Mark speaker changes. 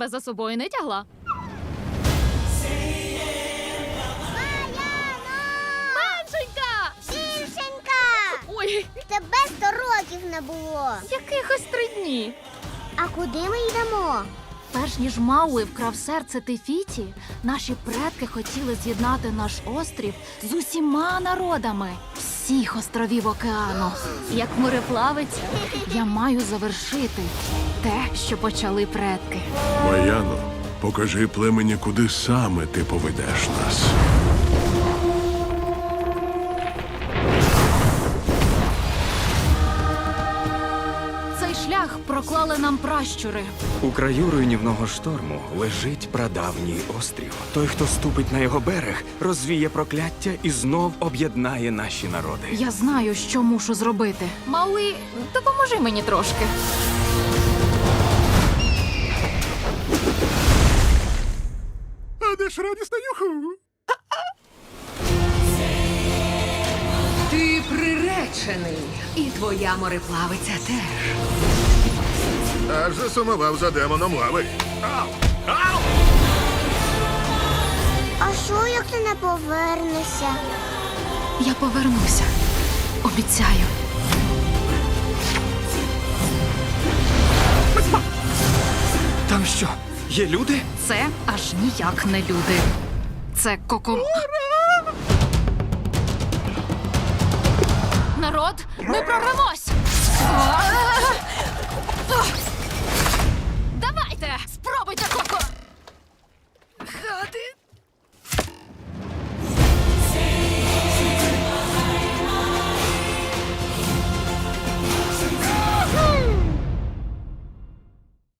Speaker 1: тебе за собою не тягла. Меншенька!
Speaker 2: Більшенька!
Speaker 1: Ой,
Speaker 2: Тебе 100 років не було.
Speaker 1: якихось 3 дні.
Speaker 2: А куди ми йдемо?
Speaker 1: Перш ніж Мауи вкрав серце Тефіті, наші предки хотіли з'єднати наш острів з усіма народами всіх островів океану. Як мореплавець, я маю завершити те, що почали предки.
Speaker 3: Маяно, покажи племені, куди саме ти поведеш нас.
Speaker 1: Цей шлях проклали нам пращури.
Speaker 4: У краю руйнівного шторму лежить прадавній острів. Той, хто ступить на його берег, розвіє прокляття і знов об'єднає наші народи.
Speaker 1: Я знаю, що мушу зробити. Мауи, допоможи мені трошки.
Speaker 3: А де ж радісна юху?
Speaker 5: Ти приречений, і твоя мореплавиця теж.
Speaker 3: Аж засумував за демоном лави.
Speaker 2: А що, як ти не повернешся?
Speaker 1: Я повернуся. Обіцяю.
Speaker 4: Там що, є люди?
Speaker 1: Це аж ніяк не люди. Це Народ, ми прорвемось!